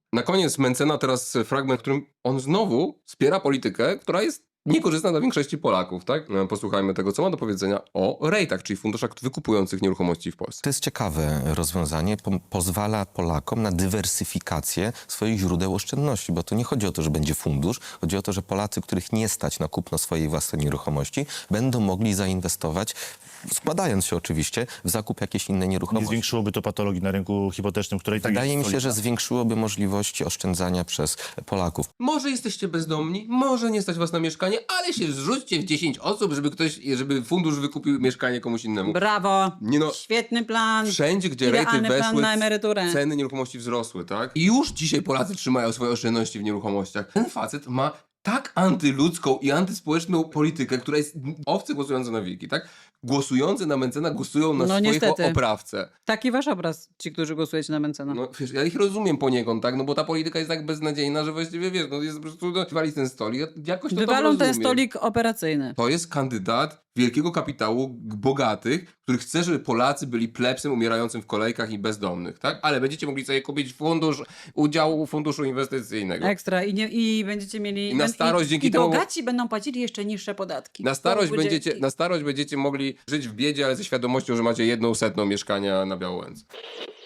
Na koniec Mencena teraz fragment, w którym on znowu wspiera politykę, która jest niekorzystna dla większości Polaków, tak? Posłuchajmy tego, co ma do powiedzenia o REIT-ach, czyli funduszach wykupujących nieruchomości w Polsce. To jest ciekawe rozwiązanie, pozwala Polakom na dywersyfikację swoich źródeł oszczędności, bo tu nie chodzi o to, że będzie fundusz, chodzi o to, że Polacy, których nie stać na kupno swojej własnej nieruchomości, będą mogli zainwestować, składając się oczywiście w zakup jakiejś innej Nie nieruchomości. zwiększyłoby to patologii na rynku hipotecznym, której Wydaje mi się, że zwiększyłoby możliwości oszczędzania przez Polaków. Może jesteście bezdomni, może nie stać was na mieszkanie, ale się zrzućcie w 10 osób, żeby fundusz wykupił mieszkanie komuś innemu. Brawo! Nie no, Świetny plan. wszędzie, gdzie rejty Idealny plan weszły, na emeryturę. ceny nieruchomości wzrosły, tak? I już dzisiaj Polacy trzymają swoje oszczędności w nieruchomościach. Ten facet ma tak antyludzką i antyspołeczną politykę, która jest owce głosujące na wilki, tak? Głosujący na Mencena głosują na No swoich niestety. oprawcę. Taki wasz obraz, ci, którzy głosujecie na Mencena. No wiesz, ja ich rozumiem poniekąd, tak? No bo ta polityka jest tak beznadziejna, że właściwie wiesz, no jest po prostu, no, wywali ten stolik, ja jakoś to tam Wywalą ten rozumiem. stolik operacyjny. To jest kandydat wielkiego kapitału bogatych, który chce, żeby Polacy byli plebsem umierającym w kolejkach i bezdomnych, tak? Ale będziecie mogli sobie kupić udział funduszu inwestycyjnego. Ekstra. I będziecie mieli... I na starość dzięki i temu- bogaci będą płacili jeszcze niższe podatki. Na starość, Spółdzielni. będziecie mogli żyć w biedzie, ale ze świadomością, że macie 1/100 mieszkania na Białołęce.